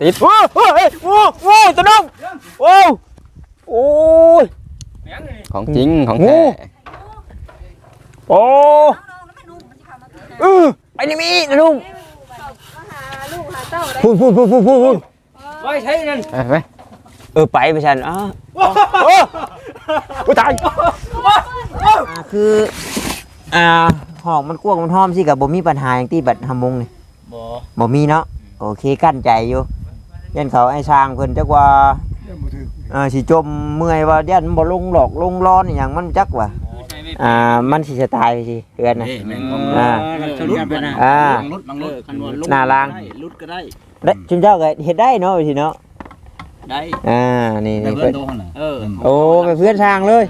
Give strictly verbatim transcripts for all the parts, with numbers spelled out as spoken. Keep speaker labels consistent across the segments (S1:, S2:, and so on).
S1: ติดโอ้โหโอ้โหตัวน้องโอ้โอ้ยของจริงของแท้โอ้เออไปนี่มีนะลุงพูดพูดพูดพูดพูดพูดไปใช่นั่นไปเออไปไปฉันอ๋อโอ้ตายคืออ่าหอกมันกว้างมันห้อมสิกับบ่มีปัญหาอย่างที่บัดทำมุงนี่บ่บ่มีเนาะโอเคกั้นใจอยู่ยันเขาไอ้ช้างเพิ่นจักว่าอ่าสิจมเมื่อยว่ายันบ่ลงหลอกลงร้อนอย่างมันจักว่าอ่ามันสิจะตายไปสิเดือนน่ะอ่าอ่าหน้าล่างลุดก็ได้ได้จุนเจ้าก็เฮ็ดได้เนาะสิเนาะได้อ่านี่นี่เพิ่นเออโอ้ไปเพื่อนช้างเลย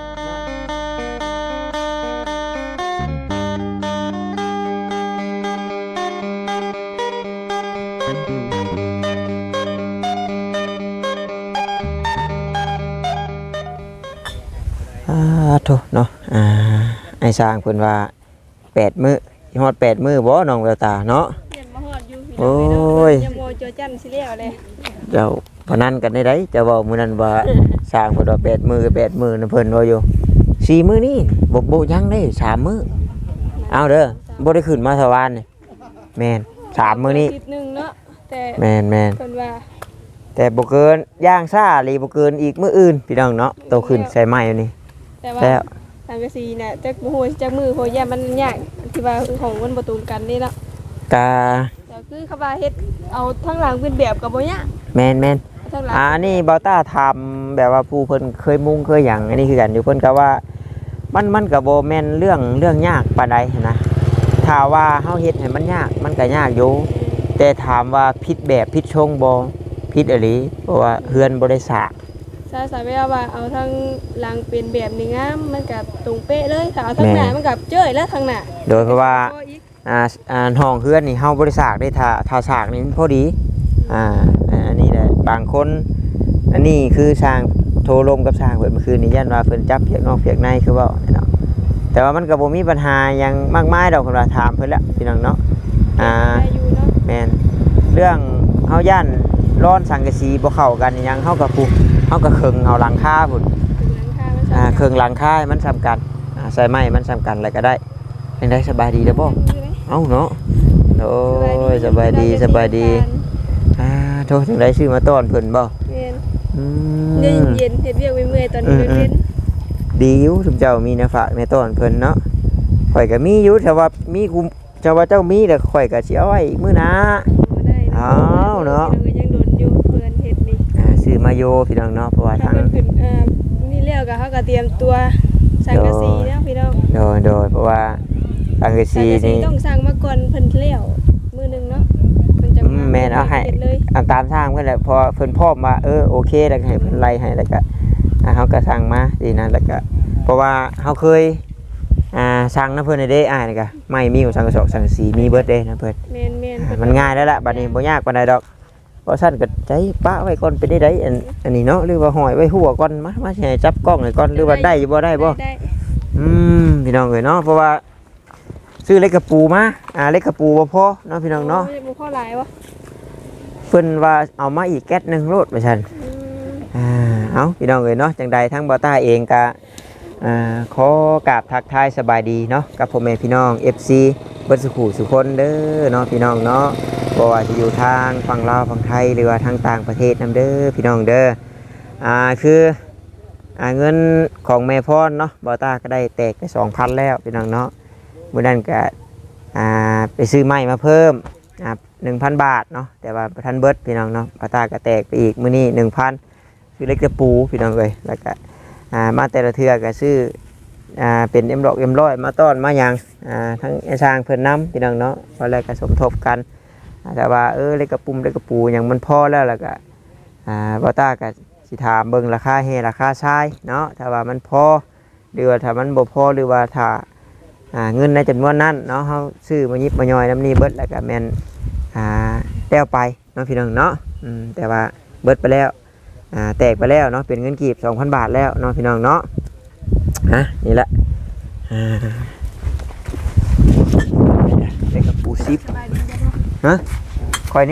S1: อ่าโถเนาะอ่าไอ้สร้างเพิ่นว่าแปดมื้อฮอดแปดมื้อบ่น้องแววตาเนาะโอ้ยยังบ่เจอจันสิแล้วเลยเจ้าพนันกันได้ไดเจ้าเว้ามื้อนั้นว่าสร้างเพิ่นว่าแปดมื้อแปดมื้อน่ะเพิ่นว่าอยู่สี่มื้อนี้บ่บ่ยังได้สามมื้อเอาเด้อบ่ได้ขึ้นมาสวรรค์นี่แม่นสามมื้อนี้นึงเนาะแต่แม่นแม่นเพิ่นว่าแต่บ่เกินย่างซ่าหรือบ่เกินอีกมื้ออื่นพี่น้องเนาะโตขึ้นใส่ไม้อยู่นี่แต่ว่าทางกะสีน่ะจักบ่ฮู้จักมือโหย่ามันยากที่ว่าของมันบ่ตรงกันนี่เนาะกะก็คือเขาว่าเฮ็ดเอาทั้งหลังเป็นแบบก็บ่ยากแม่นๆอ่านี่เบาต้าทำแบบว่าผู้เพิ่นเคยมุ่งเคยหยังอันนี้คือกันอยู่เพิ่นก็ว่ามันมันก็บ่แม่นเรื่องเรื่องยากปานใดนะถ้าว่าเฮาเฮ็ดให้มันยากมันก็ยากอยู่แต่ถามว่าผิดแบบผิดชงบ่ผิดอีหลีเพราะว่าเฮือนบ่ได้สร้างซาสาเวลาว่าเอาทั้งหลังเป็นแบบนี้งามมันก็ตรงเป๊ะเลยถ้าเอาทั้งหน้ามันก็เจ้ยแล้วทั้งหน้าโดยเพราะว่าอ่าอ่าห้องเฮือนนี่เฮาบ่ได้สร้างได้ถ้าถ้าสร้างนี่มันพอดีอ่าอันนี้แหละบางคนอันนี้คือสร้างโทรลมกับสร้างเพิ่นเมื่อคืนนี้ยันว่าเพิ่นจับเพียกนอกเพียกในคือเว้าเนาะแต่ว่ามันก็บ่มีปัญหาหยังมากมายดอกเพิ่นว่าถามเพิ่นแล้วพี่น้องเนาะอ่าแม่นเรื่องเฮาย่านร้อนสังกะสีบ่เข้ากันหยังเฮาก็ปุ๊เฮาก็เคิงเอาหลังคาพุ่นอ่าเคิงหลังคามันสำคัญอ่าใส่ไม้มันสำคัญอะไรก็ได้เป็นได้สบายดีเด้อบ่เอ้าเนาะโอ้ยสบายดีสบายดีอ่าโทษจังได๋ซื้อมาต้อนเพิ่นบ่แม่นอืมเย็นๆเฮ็ดเวียกเมื่อยๆตอนนี้เย็นดีอยู่ทุกเจ้ามีแนวฝากแม่ต้อนเพิ่นเนาะข่อยก็มีอยู่แต่ว่ามีกูเจ้าว่าเจ้ามีแต่ข่อยก็สิเอาไว้มื้อหน้าอ้าวเนาะยังโดนอยู่เพิ่นเฮ็ดนี่อ่าซื้อมาโยพี่น้องเนาะเพราะว่าทางขึ้นอ่านี่แล้วก็เฮาก็เตรียมตัวสังกะสีเนาะพี่น้องโดยโดยเพราะว่าสังกะสีนี่ต้องสั่งมาก่อนเพิ่นแล้วมื้อนึงเนาะเพิ่นจะมาแม่นเอาให้อันตามทางเพิ่นแหละพอเพิ่นพร้อมว่าเออโอเคแล้วก็ให้เพิ่นไล่ให้แล้วก็อ่าเฮาก็สั่งมาดีนะแล้วก็เพราะว่าเฮาเคยอ่าสั่งนะเพิ่นได้อ้ายนี่ก็ไม่มีของสังกะสอกสังกะสีมีเบิดเด้นะเพิ่นแม่นๆมันง่ายแล้วล่ะบัดนี้บ่ยากปานใดดอกเพราะซั่นก็ใจปะไว้ก่อนเป็นได้ไดอันอันนี้เนาะหรือว่าห้อยไว้หัวก่อนมามาสิให้จับกล้องให้ก่อนหรือว่าได้อยู่บ่ได้บ่อืมพี่น้องเอ้ยเนาะเพราะว่าซื้อเล็กกระปูมาอ่าเล็กกระปูบ่พอเนาะพี่น้องเนาะบ่พอหลายวะเพิ่นว่าเอามาอีกแก๊สนึงโลดว่าซั่นอ่าเอ้าพี่น้องเอ้ยเนาะจังใดทั้งบ่ต้าเองก็อ่าขอกราบทักทายสบายดีเนาะกับพ่อแม่พี่น้อง เอฟ ซี เบิดสุขุสุคนเด้อเนาะพี่น้องเนาะบ่ว่าจะอยู่ทางฝั่งลาวฝั่งไทยหรือว่าทางต่างประเทศนำเด้อพี่น้องเด้ออ่าคืออ่าเงินของแม่พรเนาะบ่ต้าก็ได้แตกไป สองพัน แล้วพี่น้องเนาะมื้อนั้นก็อ่าไปซื้อไม้มาเพิ่มอ่า หนึ่งพัน บาทเนาะแต่ว่าบ่ทันเบิดพี่น้องเนาะบ่ต้าก็แตกไปอีกมื้อนี้ หนึ่งพัน คือเล็กจะปูพี่น้องเอ้ยแล้วก็อ่ามาแต่ละเทื่อก็ซื้ออ่าเป็นเอ็มดอกเอ็มร้อยมาต้อนมาอย่างอ่าทั้งไอ้ช้างเพิ่นน้ำพี่น้องเนาะพอแล้วก็สมทบกันแต่ว่าเออเล็กกระปุ่มเล็กกระปูอย่างมันพอแล้วแล้วก็อ่าบอต้าก็สิถามเบิ่งราคาเฮราคาชายเนาะถ้าว่ามันพอหรือว่าถ้ามันบ่พอหรือว่าถ้าอ่าเงินในจำนวนนั้นเนาะเฮาซื้อมายิบมาย่อยน้ำนี้เบิดแล้วก็แม่นอ่าแต้วไปเนาะพี่น้องเนาะอืมแต่ว่าเบิดไปแล้วอ่าแตกไปแล้วเนาะเป็นเงินกีบ สองพัน บาทแล้วเนาะพี่น้องเนาะฮะนี่แหละอ่าเล็กกับปูซิปฮะคอยนี้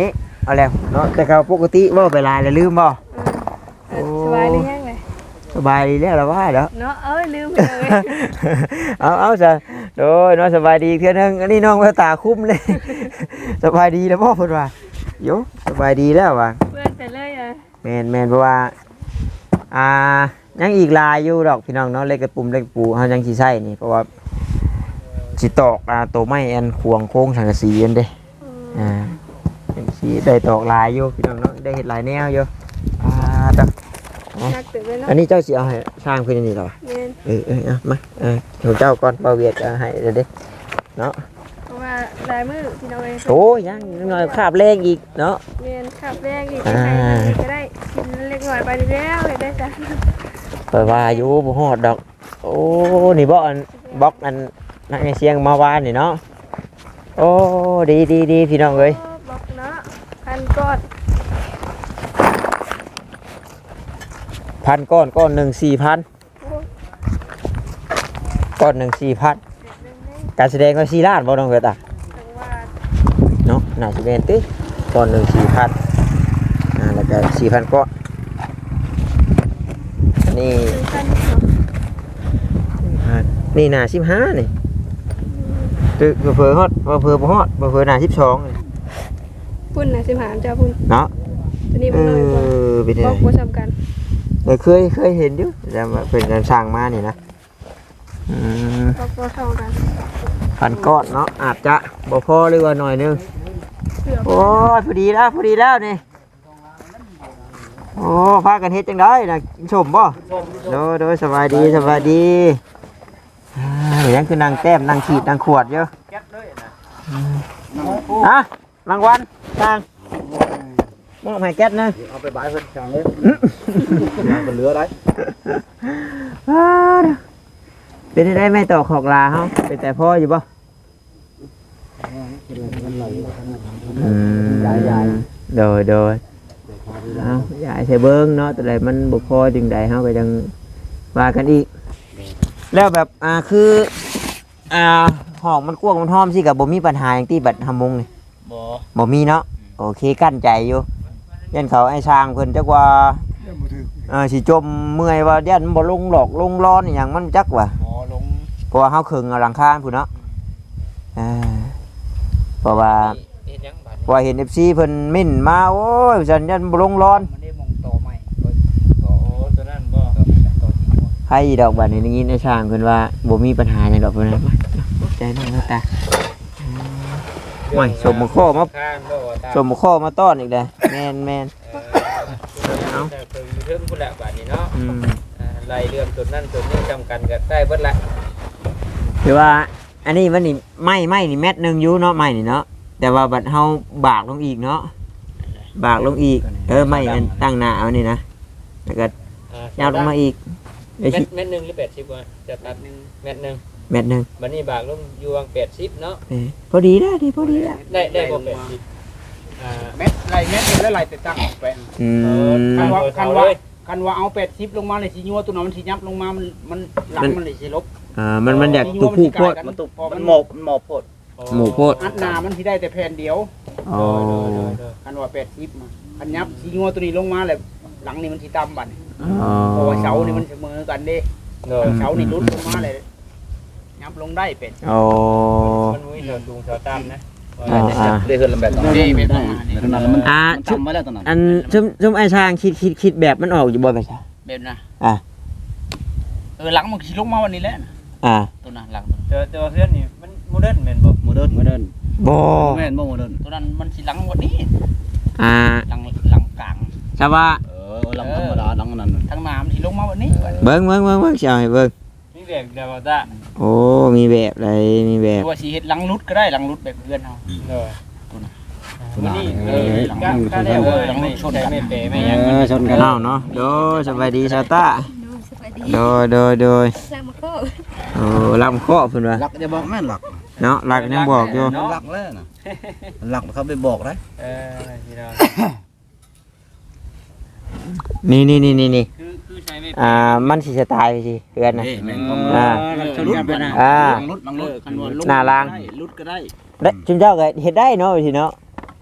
S1: เอาแล้วเนาะแต่เขาปกติเว้าไปหลายแล้วลืมบ่
S2: เออสบายหรือยังเลย
S1: สบายดีแล้วล่ะว่าเด้อ
S2: เนาะเอ้ยลืมไปเลย
S1: เอาเอาซะโดยเนาะสบายดีเทื่อนึงอันนี้น้องแววตาคุ้มเลย สบายดีแล้วบ่เพิ่นว่าโยสบายดีแล้วว่ะ
S2: เพื่อนแต่เลยอ่ะ
S1: แม่นแม่นเพราะว่าอ่ายังอีกหลายอยู่ดอกพี่น้องเนาะเล็กกระปุ่มเล็กปูเฮายังสิใช้นี่เพราะว่าสิตอกอ่าตัวไม้อันควงโค้งสังกะสีอันเด้อ่าจังสิได้ตอกหลายอยู่พี่น้องเนาะได้เฮ็ดหลายแนวอยู่อ่าตะ
S2: นักตื่นเลยเนาะ
S1: อันนี้เจ้าสิเอาให้สร้างเพิ่นอันนี้เหรอ
S2: แม่น
S1: เออเออเอามาเออของเจ้าก่อนบ่เวียดเอาให้เด้อเด้เนาะ
S2: เพราะว่าลายมือพี่น้องเอง
S1: โอ้ยยังหน่อยคาบแรงอีกเนาะ
S2: แม่นขับแรกอีกใครๆก็ได้กินเล็กหน่อยไปแล้วเห็นได้จ้ะ
S1: เปิดว่าอยู่บ่ฮอดดอก โอ้นี่บ่อันบล็อกอันนักเสียงมาวานนี่เนาะโอ้ดีดีดีพี่น้องเอ้ย
S2: บอกเนาะพันก้อน
S1: พันก้อนก้อนหนึ่งสี่พันก้อนหนึ่งสี่พันการแสดงว่าสี่ล้านบ่น้องเกิดอ่ะ
S2: จังว่า
S1: เนาะน่าสิเป็นติก้อนหนึ่งสี่พันอ่าแล้วก็สี่พันก้อนอันนี้
S2: พันเนาะ
S1: พันนี่น่าสิบห้านี่ตึกเผลอๆฮอดบ่เผลอบ่ฮอดบ่เผลอน่าสิบสองนี่
S2: พุ่นนะสิบหามจ้าพุ่น
S1: เนาะ
S2: ตัวนี้
S1: เอ
S2: มันน้อยกว่า
S1: อเป็นไง
S2: บอกว่าสำคัญ
S1: เออเคยเคยเห็นอยู่แต่ว่าเป็นการสร้างมานี่นะอืม
S2: บอกว่าเท่ากัน
S1: พันก้อนเนาะอาจจะบ่พอหรือว่าหน่อยนึง
S2: เสือ
S1: โอ้ยพอดีแล้วพอดีแล้วนี่โอ้พากันเฮ็ดจังได้นะกินชมบ่โดยโดยสบายดีสบายดีอ่าเดี๋ยวยังคือนางแต้มนางขีดนางขวดเยอะอืมอ่ะรางวัลสร้างมอบให้แก๊สนะ
S3: เอาไปบายเพิ่นช่างเลยยางเป็นเรือได้
S1: ว้าเด้อเป็นได้ไหมต่อขอกลาเฮาเป็นแต่พ่ออยู่บ่อืมโดยโดยเอายายใส่เบิ้งเนาะแต่ใดมันบ่พอจึงใดเฮาก็ยังว่ากันอีก แล้วแบบอ่าคืออ่าห้องมันกว้างมันห้อมสิก็บ่มีปัญหาหยังที่บัดหำมงนี่
S3: บ่
S1: บ่มีเนาะโอเคกั้นใจอยู่ยันเขาไอ้ช้างเพิ่นจักว่าเออสิจมเมื่อยว่ายันบ่ลงหลอกลงร้อนอหยังมันจักว่า
S3: หมอลง
S1: เพราะว่าเฮาครึ่งเอาหลังคาพุ่นเนาะอ่าเพราะว่า
S3: เฮ็ดหยังบาด
S1: เพราะว่าเห็น เอฟ ซี เพิ่นมิ่นมาโอ้ยฉันยันบ่ลงร้อน
S3: มันได้มองต่อใหม่ต่อตัวนั้นบ่ต่อที่บ่
S1: ใครดอกบัดนี้ได้ยินไอ้ช้างเพิ่นว่าบ่มีปัญหาหยังดอกเพิ่นนะมาใจน้องเนาะตาโอ้ยสมมุข้อมา
S3: ข้างบ่ตา
S1: สมข้อมาต้อนอีกเลยแมนแมน
S3: เอาแต่คือเรื่องพุ่นละบาดนี้เนาะ
S1: อืม
S3: อ่าไล่เรื่องตัวนั้นตัวนี้จำกันก็ได้เบิดละ
S1: คือว่าอันนี้มันนี่ไม้ไม้นี่เม็ดหนึ่งอยู่เนาะไม้นี่เนาะแต่ว่าบัดเฮาบากลงอีกเนาะบากลงอีกเออไม้อันตั้งหน้าเอานี่นะแล้วก็
S3: อ่
S1: ยาวลงมาอีกไอ้
S3: เม็
S1: ชิ
S3: ดเม็ดหนึงหรือแปดสิบวะจะตัดเม็ดหนึง
S1: เม็ดหนึ่ง
S3: บัดนี้บากลงอยู่วางแปดสิบเนาะ
S1: เออพอดีแล้วดีพอดีแล้ว
S3: ได้ได้บ่แปดสิบอ่า
S4: เม็ดไรเม็ดหนึงแล้วไรแต่ตั้งออกไป
S1: อืม
S4: คันว่า
S3: เออ
S4: คัน
S3: เอา
S4: ว่า
S3: เลย
S4: คันว่าเอาเป็ดชิปลงมาเลยสิยัวตัวนั้นมันสิยับลงมามันมันหลังมันเลยสิลบ
S1: อ่ามันมันอยากตุกผู้โคตร
S4: มันตุก
S3: มัน
S4: มัน
S3: หมอบมันหมอบโพด
S1: หมูโคตร
S4: อัดหนามันสิได้แต่แผ่นเดียว
S1: อ๋อ
S4: คันว่าเป็ดชิปมาคันยับสิยัวตัวนี้ลงมาเลยหลังนี่มันสิต่ำบัดนี่
S1: อ๋อ
S4: เพราะว่าเสานี่มันเสมอกันเด้
S3: เด้อ
S4: เสานี่ลุดลงมาเลยยับลงได้เป็ด
S1: โอ้
S3: มันมีเถิดสูงเถิดต่ำนะ
S1: อ่าอ่า
S3: ได้เฮือนลำแบบต่อ
S4: ได้เป็ดประมาณนี้
S1: อ่าชุบอันชุบชุบไอ้ช้างคิดคิดคิดแบบมันออกอยู่บ่ไปซะ
S4: เป็ดนะ
S1: อ่ะ
S4: เออหลังมันสิลงมาวันนี้แหละนะ
S1: อ่า
S4: ตัวนั้นหลัง
S3: เจอเจอเฮือนนี่มันโมเดิร์นแม่นบ่
S5: โมเดิร์นโมเดิร์น
S1: บ่
S5: แม่นบ่โมเดิร์น
S4: ตัวนั้นมันสิหลังวันนี้
S1: อ่า
S4: หลังหลังกลาง
S1: ชาวว่า
S5: เออหลังธรรมดาหลังอันนั้นน่ะ
S4: ทางน้ำสิลงมาวันนี้
S1: เบิ่งเบิ่งเบิ่งเบิ่งสิเอาให้เบิ่ง
S3: มีแบบเดียวบ่ตา
S1: โอ้มีแบบอะไรมีแบบ
S4: ตัวสีเห็ดหลังรุดก็ได้หลังรุดแบบเพื่อนเขา
S3: เด้อ
S5: ตัว
S3: วัน
S5: นั้น
S3: นี้
S5: เอ
S3: เอ
S5: อ
S3: อ
S5: หลัง
S3: ก็
S5: มัน
S3: ก็
S5: ชน
S3: ได้
S5: กัน
S3: เออหลังไม่ชนไม่เปไม่
S5: เอ
S3: ยัง
S5: อชนกัน
S1: เอ้าเนาะโดยสบายดีชาวต้า
S2: สบายดี
S1: โดยโดยโดย
S2: สร้างมาโค
S1: โอ้ลำเคาะเพิ่นว่า
S5: หลักจะบอกแม่นหลัก
S1: เนาะหลักยังบอกอยู่
S5: หลักแล้วน่ะหลักเขาไปบอกได้
S3: เออพี่น้อง
S1: นี่นี่นี่นี่นี่
S3: คือคือใช้ไม่
S1: อ่ามันสิสไตล์สิเพื่อนนะ
S5: นี่แม่น
S1: อ่า
S4: ชนกันไปนะ
S1: อ่า
S5: หลังรถหลังรถ
S4: คันว่าลง
S1: หน้าราง
S4: ได้รุดก็ได้
S1: ได้จุนเจ้าก็เฮ็ดได้เนาะสิเนาะ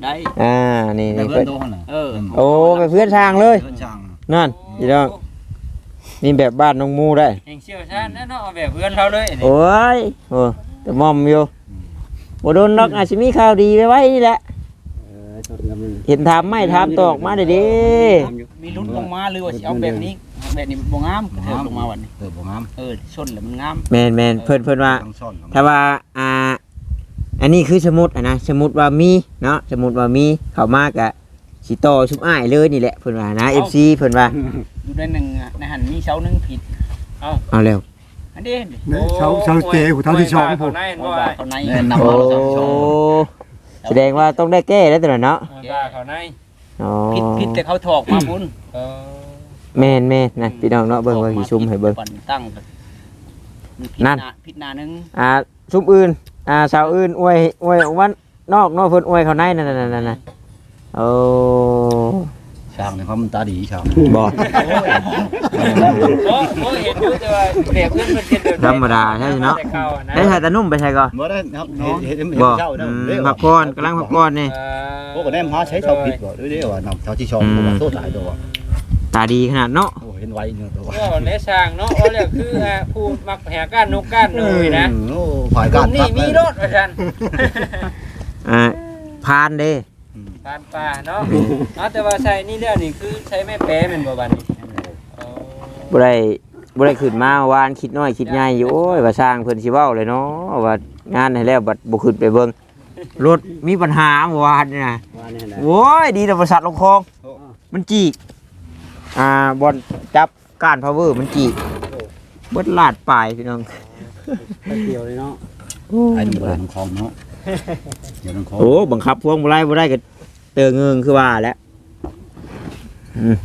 S4: ได้
S1: อ่านี่
S5: แต่
S1: นี่
S5: เพื่อ
S1: เพิ่
S5: น
S1: น
S5: โตน่ะ
S4: เออ
S1: โอ้ไปเพื่อนทางเลย
S5: เพื่อนช่าง
S1: นั่นพี่น้องนี่แบบบ้านน้องมูได้
S3: เองเชี่ยวชาญแน่เนาะเอาแบบเพื่อนเราเลยนี่
S1: โอ้ยโอ้แต่มอมอยู่บ่โดนดอกอาจสิมีข่าวดีไว้ไว้นี่แหละเห็นถามไม่ถามตอกมาได้เด้
S4: มีลุ้นลงมาหรือว่าสิเอาแบบนี้แบบนี้บ่งามกระเทิบลงมาวันนี้
S5: เออบ่งาม
S4: เออชนแล้วมันงาม
S1: แม่นแม่นเพิ่นเพิ่นว่า
S5: ต้องซ่อน
S1: ถ้าว่าอ่าอันนี้คือสมมุติอ่ะนะสมมุติว่ามีเนาะสมมุติว่ามีเข้ามากะสิต่อชุบอ้ายเลยนี่แหละเพิ่นว่านะ เอฟ ซี เพิ่นว่า
S4: อยู่ในหนึ่งอะในหันมีเสาหนึงผิด
S1: เอาเร็ว
S4: อันนี้
S6: เสาเสาเตะหูเท้าที่สอง
S3: ผ
S6: ผม ม
S3: ได้
S4: บ่
S3: บ่
S4: ว่า
S3: ว่า
S4: เขาใน
S5: แน่นำ
S1: โอ้
S5: มาแล้วซ่อน
S1: แสดงว่าต้องได้แก้แล้วตัวนั้นเนาะ
S3: ว่าเขาใน
S1: อ๋อ
S4: ผิดผิดแต่เขาถอกมาพุ่น
S3: เออ
S1: แม่นแม่นนั่นพี่น้องเนาะเบิ่งว่าสิซุ่มให้เบิ่ง
S4: ปั่นตั้งมีผิด
S1: นั่น
S4: หาผิดหนาหนึง
S1: อ่าซุ่มอื่นอ่าสาวอื่นอวยอวยวันนอกเนาะเพิ่นอวยเขาในนั่นๆๆๆโอ้
S5: ช่างนี่เขามันตาดีช่าง
S1: บ่
S3: โอ้โหเห็นอยู่แต่ว่าแบบเพื่อนมันเป็นแบบ
S1: ธรรมดาใช่ไหมเนาะ
S3: แต่ก่นะ
S1: ได้ถ่ายตานุ่มไปใช่ก่อน
S5: บ่ได้ครับเห็นเห็นเห็น
S1: บ่
S5: เจ้า
S1: อื
S5: เนาะ
S1: ม
S5: เด้อ
S1: พักผ่อนกำลังพักผ่อนนี่
S3: เออ
S5: พวกก็แนมหาใช้ชาวผิดบ่ด้วยเด้อว่านำชาวที่ชองบ่ว่าโทษหลายตัว
S1: ตาดีขนาดเนาะ
S5: โอ้เห็นไว้เนาะตัว
S3: ก็ในช่างเนาะว่าเรียกคืออ่าผู้มักแหกก้านนกก้านหนูนะ
S5: โอ้ฝ่าย
S3: ต
S5: การ
S3: รงนี้มีรถว่าซั่น
S1: อ่าพานเด้
S3: ปานป่าเนาะเอาแต่ว่าใช้นี่แล้วนี่คือใช้แม่แป้แม่นบ่บัดนี้อ๋อ
S1: บ่ได้บ่ได้ขึ้นมาวานคิดน้อยคิดใหญ่อยู่โอ้ยว่าสร้างเพิ่นสิเว้าเลยเนาะว่างานให้แล้วบัดบ่ขึ้นไปเบิ่งรถมีปัญหาเมื่อวานนี่นะโอ้ยดีแต่บริษัทลงคลองมันจีกอ่าบอลจับก้านพาวเวอร์มันจีกเบิดลาดปลายพี่น้อง
S4: เกี่ยวเลยเนาะ
S5: ไอ้นี่บ่ได้ของของเนาะเดี๋ยวของของ
S1: โอ้บังคับพวงบ่ได้บ่ได้ก็เตอเงิงคือว่าแล้วอืม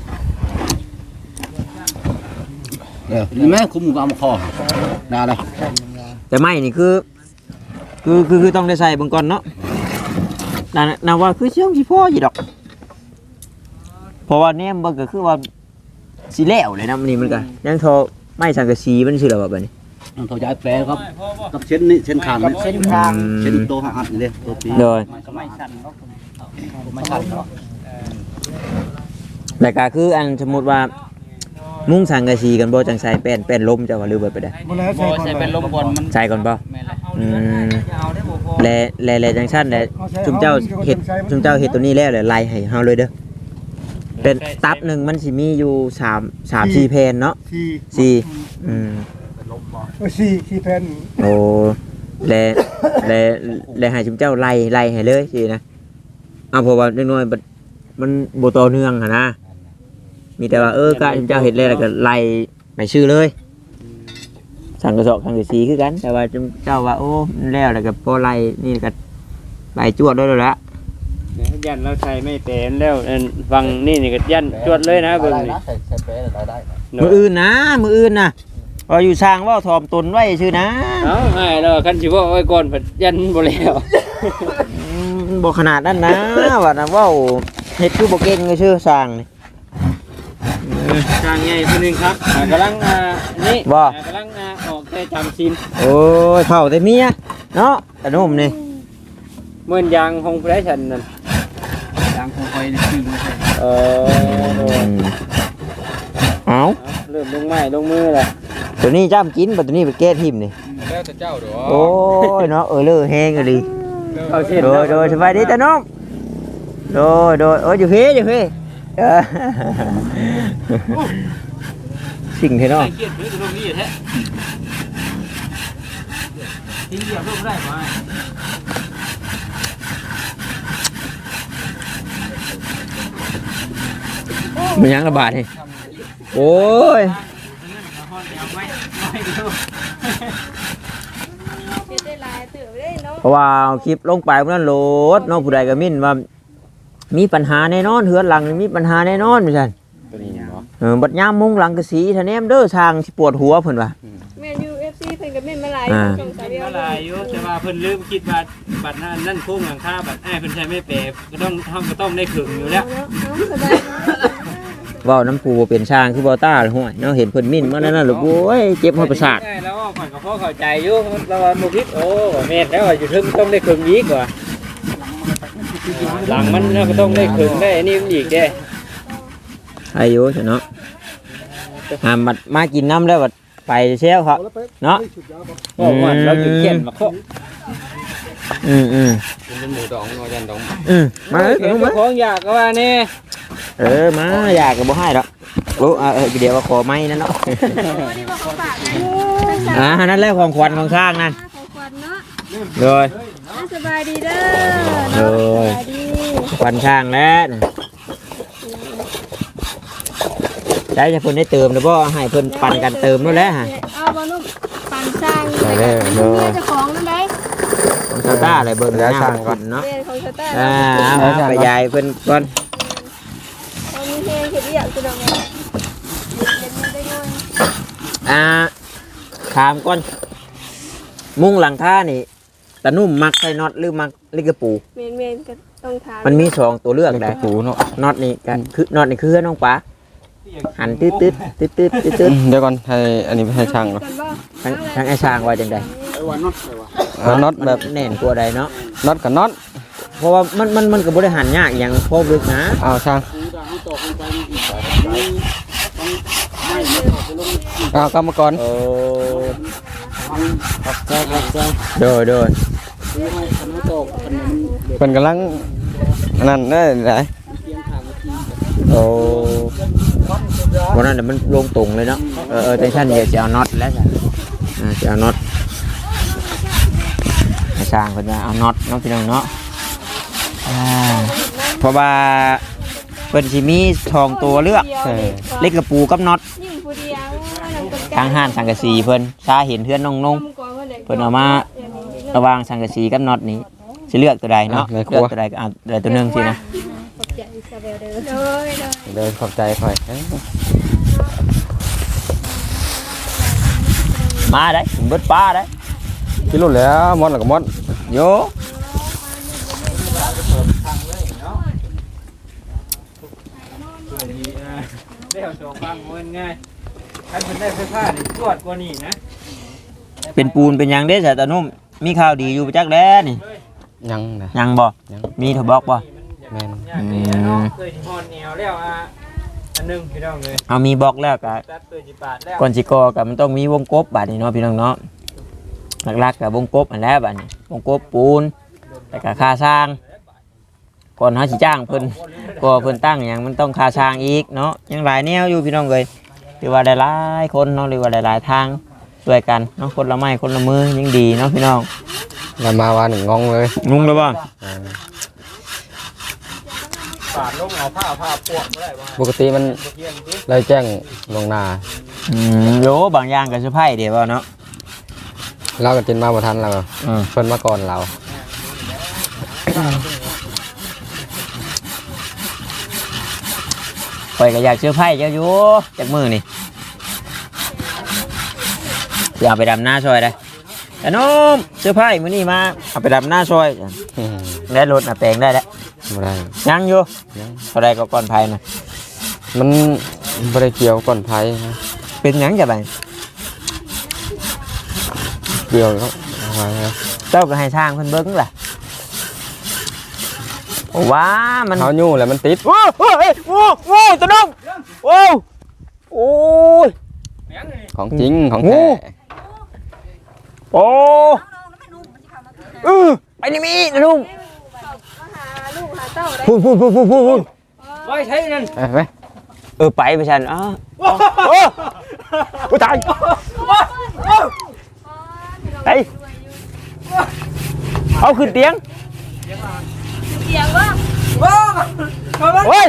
S5: เออนี่แม่คุมเอามาคอนาเลย
S1: แต่ไม่นี่คือคือคือคือต้องได้ใส่เบิ่งก่อนเนาะน่าน่าว่าคือเชื่องสิพ่ออยู่ดอกเพราะว่าแนมเบิ่งก็คือว่าสิแล้วเลยนะมันนี่มันก็ยังโทรไม่สังกะสีมันสิแล้วแบบนี้
S5: ต้องเขาย้ายแปลครับกับเช่นนี้เช่นคางนี่
S4: เส้นทาง
S5: เช่นโตหักนี่เลยตัวปี
S1: โดย
S4: มันก็ไม่สั่นเนาะไม่สั่นเนาะ
S1: แต่ก็คืออันสมมุติว่ามุ้งสังกะสีกันบ่จังใส่แป้นแป้นลมจะว่าหรือบ่ไปได้
S6: บ่แล้ว
S4: บ่
S6: ใส่ก่อน
S4: ใส่เป็นลมบอลมัน
S1: ใส่ก่อนเปล่า
S4: แม่นแหละ
S1: อืม
S3: เอาได้บ่พอ
S1: แลแลแลจังซั่นแลจุมเจ้าเฮ็ดจุมเจ้าเฮ็ดตัวนี้แล้วแหละไล่ให้เฮาเลยเด้อเป็นตับหนึงมันสิมีอยู่สาม สาม สี่แผ่นเนาะ
S6: สี่
S1: สี่อืม
S6: เออสี่สี่แผ่น
S1: โอ้แลแลแลให้จุมเจ้าไล่ไล่ให้เลยสินะเอาเพราะว่าน้อยๆมันมันบ่ต่อเนื่องหั่นนะมีแต่ว่าเออกะจุมเจ้าเฮ็ดแล้วแล้วก็ไล่ไปชื่อเลยสั่งกระสอบสั่งกระสีคือกันแต่ว่าจุมเจ้าว่าโอ้มันแล้วแล้วก็พอไล่นี่ก็ไล่จวดด้วยแล้วละ
S3: เนี่ยยันเราใช้ไม่เป็นแล้วอันฟังนี่นี่ก็ยันจวดเลยนะเบิ่งนี่
S5: ใส่ใส่แปลได้ได้
S1: มืออื่นนะมืออื่นนะพออยู่สร้างว่าทอมตนไว้ชื่อนะ
S3: เอ้าให้แล้วคันสิว่าไว้ก่อนผัดยันบ่แล้ว
S1: อืมบอกขนาดนั้นนะว่านะว่าเฮ็ดคือบ่เก่งเลยชื่อสร้างนี่
S3: ทางใหญ่คนนึงครับอ่ากำลังอ่านี่
S1: บ่
S3: อ่ากำลังอ่าออกแต่จำศีล
S1: โอ้ยเผาแต่เมียเนาะแต่นุ่มนี่
S3: เหมือนยางของผู้ใดฉันนั่น
S4: ทางคงคอยชื่อมาใส่
S3: เออ
S1: อืมเอา
S3: เริ่มลงไม้ลงมือแล้ว
S1: ตัวนี้จ้ำกินบัดตัวนี้ไปแก้ทิมนี่
S3: แล้วแต่เจ้าดอก
S1: โอ้ยเนาะเออเลอแห้งเลย
S3: เอาเส้น
S1: โดยโดยสบายดีแต่นุ่มโดยโดยโอ้ยอยู่เฮ้อยู่เฮ้เออสิ่งเท่เนาะ
S3: เกียดหรือจะลงนี่แท้ทิ้งเหยียบลงได้ไหม
S1: มันยังระบาดนี่โอ้ย
S2: เฮ็ดได้หลายเติบเลยเนาะ
S1: เพราะว่าเอาคลิปลงไปพวกนั้นโหลดน้องผู้ใดก็มิ่นว่ามีปัญหาแน่นอนเฮือนหลังนี่มีปัญหาแน่นอนเหมือนกัน
S3: ตัวนี้เนาะ
S1: เออบัดยามมุงหลังกะสีทะแนมเด้อทางสิปวดหัวเพิ่นว่า
S2: แม่นยู เอฟ ซี เพิ่นก็แม่นมาหลาย
S1: อ่า
S2: สองสาม
S3: เป็น
S2: เดียว
S3: เท่าไรอยู่แต่ว่าเพิ่นลืมคิดว่าบัตรนั่นโค้งหลังคาบัตรไอ้เพิ่นใช้ไม่เปรก็ต้องทำก็ต้องได้ขึงอยู่แล้ว
S2: เนาะเอาสบายเนาะ
S1: เว้าน้ำปูบ่เป็นช่างคือบ่ต้าเลยห้วยเนาะเห็นเพิ่นมิ่นมานั่นน่ะโอ้ยเจ็บหัวประสาท
S3: ใช่แล้วผ่อนกับพ่อเข้าใจอยู่แล้วว่าบ่คิดโอ้แม่นแล้วว่าอยู่ถึงต้องได้ขึงอีกว่าหลังมันก็ต้องได้ขึงได้อันนี้มันอีกเด้
S1: อายุเนาะหามัดมากินน้ำแล้วบัดไปเชี่ยวเขาเนาะ
S3: ก็ว่าเราอยู่เขียนมาเคาะ
S1: อืมอืม
S5: เป็นหมูดองงอยันดอง
S1: อืมมาเลย
S3: เห็น
S1: มา
S3: ของอยากก็ว่านี่
S1: เออมาอยากกับบ่ให้แล้วโอ้เออเดี๋ยวว่าขอไม้นั่นเนาะ
S2: โอ้นี่ว่าของฝากนะ
S1: อ่านั่นแหละของขวัญของสร้างนั่น
S2: ของขวัญเนาะ
S1: เลย
S2: อ่ะสบายดีเด้อ
S1: เล
S2: เนาะ
S1: ย
S2: สบายดี
S1: ขวัญสร้างแล้วได้จะเพิ่นได้เติมหรือบ่ให้เพิ่นปั่นกันเติมนู่นแหละฮะ
S2: เอาบ่นุ่มปั่นสร้าง
S1: ได้เลย
S2: เมียเจ้าของนั่นได้
S1: ของชาวต้าอะไรเบิ่งแล้วสร้างก่อนเนาะ
S2: เรียนของชาวใต้
S1: อ่าเอาไปยายเพิ่นก่อน
S2: เอามีเพลงเขียนเรียกคือดอกไม้เล่นมันได้ด้วย
S1: อ่าถามก่อนมุ้งหลังคานี่ตะนุ่มมักใส่น็อตหรือมักลิกระปู
S2: เมนเมนก็ต้องถาม
S1: มันมีสองตัวเลือกได้
S5: ปูเนาะ
S1: น็อตนี่กันคือน็อตนี่คือน้องป๋าหันตืดตืดตืดตืดตืดตืด
S5: เดี๋ยวก่อนให้อันนี้ให้ช่างก่อน
S2: กันบ่
S1: ทั้งทั้งไอ้ช้างว่าจังได
S4: ไอ้วันน็อตไอ้วะ
S5: เอาน็อตแบบ
S1: แน่นกว่าใดเนาะ
S5: น็อตกับน็อต
S1: เพราะว่ามันมันมันก็บ่ได้หันยากอย่างพอลึกนะ
S5: เอาช่าง
S4: คือถ้าเขาตอกลงไปนี่อีกต้องไม่ไม่ตอกไปลง
S5: เอากรรมกร
S1: โอ้
S4: ทางปักใจปักใจ
S1: โดยโดย
S4: คือให้คันเขาตอกคันนี้มันเหลือ
S5: เป็นกำลังอันนั่นได้ไหน
S4: เพียงทางเมื่อกี้
S1: โอ้วันนั้นน่ะมันลงตรงเลยเนาะเออเออแต่ท่านเดี๋ยวจะเอาน็อตแล้วจ้ะอ่าจะเอาน็อตไอ้ช้างเพิ่นว่าเอาน็อตเนาะพี่น้องเนาะอ่าเพราะว่าเพิ่นสิมีทองตัวเลือก
S2: เออ
S1: เล็กกระปูกับน็อต
S2: ยิ่งผู้เดียวนั่นก็
S1: ทางห้านสังกะสีเพิ่นชาเห็นเพื่อนน้องนงเพิ่นเอามาระวางสังกะสีกับน็อตนี้สิเลือกตัวใดเนาะเลือกตัวใดก็เอาตัวใดตัวหนึงสินะ
S2: ขอบใจอิซาเบลเด้อเลยเลย
S5: เดินขอบใจคอยเอ้ย
S1: มาได้เบิดป้าได้
S5: กินรุ่นแล้วมอนหรือกับมอน
S1: โย
S3: ได้เอาสองฟังมันง่ายถ้าเป็นได้ไฟฟ้านี่ตรวจกว่านี่นะ
S1: เป็นปูนเป็นหยังเด้อสายตานุ่มมีข่าวดีอยู่ประจักแล้นี่
S5: ยังนะ
S1: ยังบ่
S5: ยัง
S1: มีโทรบอกบ่
S5: แม่น
S3: อยากนี่เนาะเคยที่ฮอนแนวแล้วอ่ะอันหนึงพี่น้องเลย
S1: เอามีบอกแล้วก็
S3: ตัดตัวจิปาดแล้ว
S1: ก่อนสิก่อก็มันต้องมีวงกบบาดนี้เนาะพี่น้องเนาะหลักๆก็วงกบอันแรกบาดนี้วงกบปูนแต่ก็ค่าสร้างก่อนเฮาสิจ้างเพิ่นก็เพิ่นตั้งหยังมันต้องค่าสร้างอีกเนาะยังหลายแนวอยู่พี่น้องเอ้ยหรือว่าหลายๆคนเนาะหรือว่าหลายๆทางช่วยกันเนาะคนละไม้คนละมือยังดีเนาะพี่น้อง
S5: แล้วมาวันหนึ่งงงเลย
S1: งงแล้วบ่
S5: อ่า
S3: ปาดลงเอาผ้าผ้าปวกบ่ได้ว่า
S5: ปกติมัน
S3: เทียนดิ
S5: เลยแจ้งลวงหน้า
S1: อืมโยบางอย่างก็เซอร์ไพรส์เดี๋ยวบ่เนาะ
S5: เราก็จินมาบ่ทันเรา
S1: อืม
S5: เพิ่นมาก่อนเรา
S1: ข่อยก็อยากเซอร์ไพรส์เจ้าอยู่จากมือนี่อยากไปดำหน้าซอยได้แต่น้มเซอร์ไพรส์มื้อนี้มาเอาไปดำหน้าซอย
S5: อืม
S1: ได้รถน่ะแปลงได้แล้ว
S5: บ่ได้
S1: ยังอยู่
S5: ยัง
S1: เท่าไรก็ก่อนภัยน่ะ
S5: มันบ่ได้เกี่ยวก่อนไผนะ
S1: เป็นหยังจะไป
S5: เกี่ยวเขาเอาไว้นะ
S1: เจ้าก็ให้ช่างเพิ่นเบิ่งล่ะโอ้ว้ามัน
S5: เขายู่แล้วมันติด
S1: โอ้โหโอ้โหตะน้องโอ้โอ้ย
S3: แม่งนี่
S5: ของจริงของ
S1: โอ้
S5: แท้
S1: โอ้เออไปนี่มีนะลุง
S2: มาหาลูกหาเต้าได้
S1: พูดพูดพูดพูดพูด
S3: ไว้ใช้นั่น
S5: ไปไป
S1: เออไปไปฉันอ้าวโอ้โอ้ตายเฮ้ยเอาขึ้นเตียง
S2: เสียงว่า
S1: โอ้ย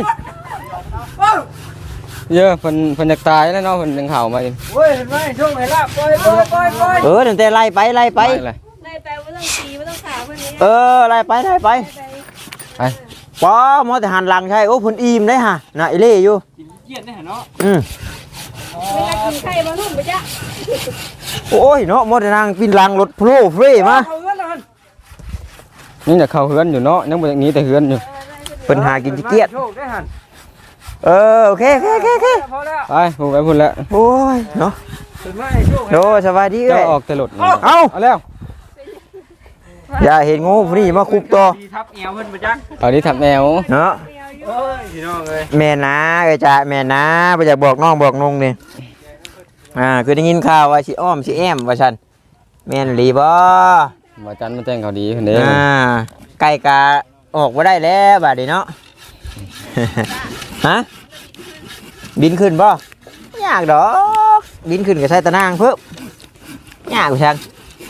S5: เยอะเพิ่นเพิ่นอยากตายแล้วเนาะเพิ่นยังเห่ามาอีก
S3: เว้ยเห็นไหมช่วงไหนล่ะปล่อยปล่อยปล่อยปล่อย
S1: เออเดี๋ยวแต่ไล่ไปไล่ไป
S5: เลย
S2: ได้แปลว่าต้องตีไม่ต้องขาเพื่อนนี้
S1: เออไล่ไปไล่ไป
S5: ไป
S1: ป้าหมอแต่หันหลังใช่โอ้ผลอิ่มได้ฮะน่ะไอเล่อยู่
S3: กินเยี่ยนได้เนาะ
S1: อืม
S2: ไม่ได้กินไข่มานุ่มไปจ้ะ
S1: โอ้ยเนาะหมอแต่นางปินหลังรถโผล่เฟร่มา
S3: เอาเงินแล้วมัน
S5: นี่น่ะเข้าเฮือนอยู่เนาะยังบ่อย่างนี้แต่เฮือนอยู่
S1: เป็นหากินขี้เกียจ
S3: โชคได้หัน
S1: เออโอเคโอเคโอเคโอเค
S3: พอแล้ว
S5: ไปพูดไปพูดแล้ว
S1: โอ้ยเนาะ
S3: ถึงไหมโชค
S1: โดสบายดี
S5: เจ้า
S1: เอ้ย
S5: ออกแต่รถ
S1: เอ้า
S5: เอาแล้ว
S1: อย่าเห็นงูผู้นี้มาคุบตัว
S3: ดีทับแอวเพิ่นบ่จัก
S5: เอานี้ทำแนว
S1: เนาะ
S3: โอ้ยพี่น้องเอ้ย
S1: แม่นะเอ้ยจ้าแม่นะบ่อยากบอกน้องบอกนุ่งนี่อ่าคือได้ยินข่าวว่าสิอ้อมสิแอมว่าซั่นแม่นหลีบ่
S5: บ่จันมาแต่งเขาดีคนเด้
S1: อ่าไก่กาออกบ่ได้แล้วบัดนี้เนาะ ฮะบินขึ้นบ่ยากดอกบินขึ้นก็ใช้ตะนางเพิ่มยากกว่าซั่น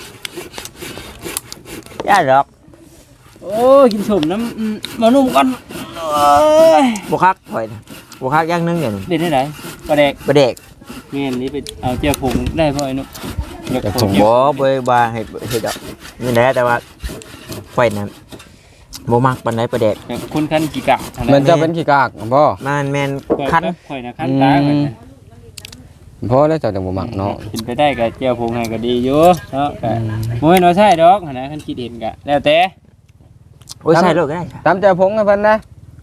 S1: ยากดอก
S3: โอ้ยกินสมน้ำอืมมานุ่มก่อนโอ้ย
S1: บ่คักข่อยน่ะบ่คักอย่างหนึงเดี๋ยวนี้
S3: เด็ดได้ไหนปลาแดก
S1: บ่เด็ก
S3: แม่นนี่ไปเอาเจียวผงได้บ่ไอ้นุ๊กเดี๋ยวผง
S1: บ่บ่บ่เฮ็ดเฮ็ดดอกนี่แหละแต่ว่าข่อยน่ะบ่มักปานใดประเด็ก
S3: เดี๋ยวคุณคันกี่กะเท่า
S5: มันจะเป็นขี้กากบ่
S1: มันแม่น
S3: ข่อย
S1: คัน
S3: ข่อยนะคันตาข่อยนะ
S5: พอแล้วเจ้าจังบ่มักเนาะ
S3: กินไปได้กับเจียวผงให้ก็ดีอยู่เนาะก็บ่ให้น้อยใช่ดอกหั่นนะคันคิดเห็นก็แล้วแต่
S1: โอ้ยใส่โลกก็ได้ค่ะ
S5: ตามใจพงให้เพิ่นนะ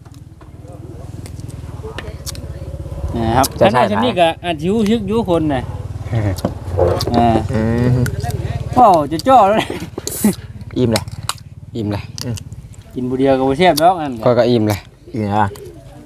S3: นะครับขนาดนี้ก็อาจสิรู้สึกอยู่คนน่ะอ่า
S1: อืม
S3: โอ้จะจ่อแล้วนะ
S1: อิ่มเลย
S5: อิ่มเลย
S3: กินบุเดียวกับบุเชียบดอกอัน
S5: ก็ก็อิ่มเลย
S1: อิ่มอ่ะ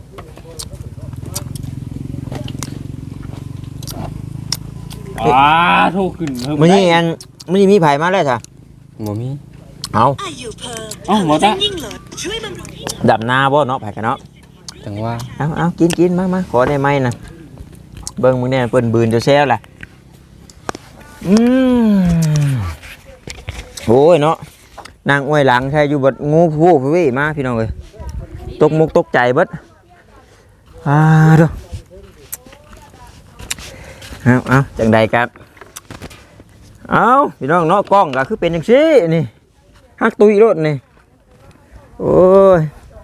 S3: อ่าถูกขึ้นเพิ่ม
S1: มื้อนี้อันมื้อนี้มีไผมาแล้วจ้ะ
S5: บ่มี
S1: เอา
S3: เอ้าหมดละ
S1: ดับหน้าบ่เนาะไผกันเนาะ
S5: จังว่า
S1: เอาเอากินกินมามาขอได้ไหมน่ะเบิ่งมื้อนี้เพิ่นบืนจะแซวล่ะอืมโอ้ยเนาะนางอ้วยหลังใช่อยู่บัดงูผู้ผู้วิมาพี่น้องเอ้ยตกมุกตกใจเบิดอ่าเด้อเอาเอาจังใดครับเอาพี่น้องเนาะกล้องก็คือเป็นจังซี่นี่ฮักตุยรถนี่โอ้ย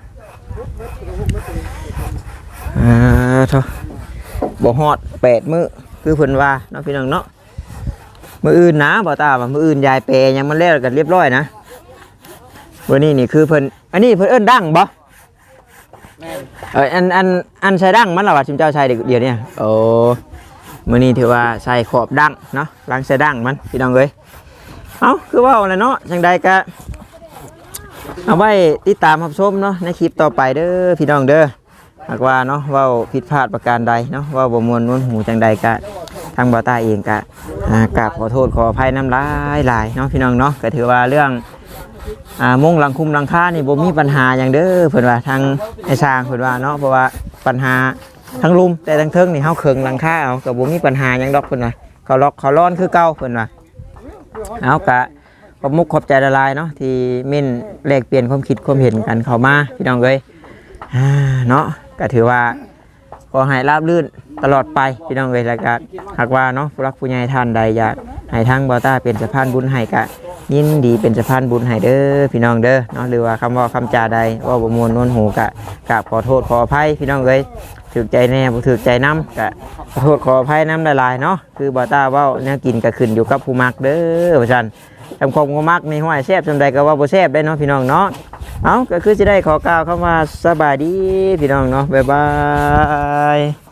S1: อ่าเถอะบ่ฮอดแปดมื้อคือเพิ่นว่าเนาะพี่น้องเนาะมื้ออื่นนะบ่ตาว่ามื้ออื่นยายแปรยังมันแล้วกันเรียบร้อยนะวันนี้นี่คือเพิ่นอันนี้เพิ่นเอิ้นดังบ่เอออันอันอันใช้ดังมันล่ะว่าชิมเจ้าใช้เดี๋ยวนี้โอ้มื้อนี้ถือว่าใส่ขอบดังเนาะล้างใส่ดังมันพี่น้องเอ้ยเอ้าคือว่าอะไรเนาะจังใดก็เอาไว้ติดตามรับชมเนาะในคลิปต่อไปเด้อพี่น้องเด้อหากว่าเนาะเว้าผิดพลาดประการใดเนาะเว้าบ่ม่วนนวลหูจังใดก็ทางบ่าวตาเองก็อ่ากราบขอโทษขออภัยน้ำลายหลายเนาะพี่น้องเนาะก็ถือว่าเรื่องอ่ามุงหลังคุมหลังคานี่บ่มีปัญหาหยังเด้อเพิ่นว่าทางไอ้สร้างเพิ่นว่าเนาะเพราะว่าปัญหาทั้งลุมแต่ทั้งเทิงนี่เฮาเคิงหลังคาเอาก็บ่มีปัญหาหยังดอกเพิ่นว่าเขาล็อกเขาร้อนคือเก่าเพิ่นว่าเอาก็ขอบมุกขอบใจละลายเนาะที่มิ้นแลกเปลี่ยนความคิดความเห็นกันเข้ามาพี่น้องเอ้ยอ่าเนาะก็ถือว่าขอให้ราบรื่นตลอดไปพี่น้องเอ้ยแล้วก็หากว่าเนาะผู้รักผู้ใหญ่ท่านใดอยากให้ทางบ่าวตาเป็นสะพานบุญให้ก็ยินดีเป็นสะพานบุญให้เด้อพี่น้องเด้อเนาะหรือว่าคำว่าคำจาใดว่าบ่มวลนวลหูกะกราบขอโทษขออภัยพี่น้องเอ้ยถูกใจแน่บ่ถูกใจน้ำกะขอโทษขออภัยน้ำหลายๆเนาะคือบ่าวตาเว้าแนวกินก็ขึ้นอยู่กับผู้มักเด้อว่าซั่นทำความบ่มักในห้อยแซ่บจำใดก็ว่าบ่แซ่บได้เนาะพี่น้องเนาะเอาก็คือสิได้ขอกล่าวคำว่าสบายดีพี่น้องเนาะบ๊ายบาย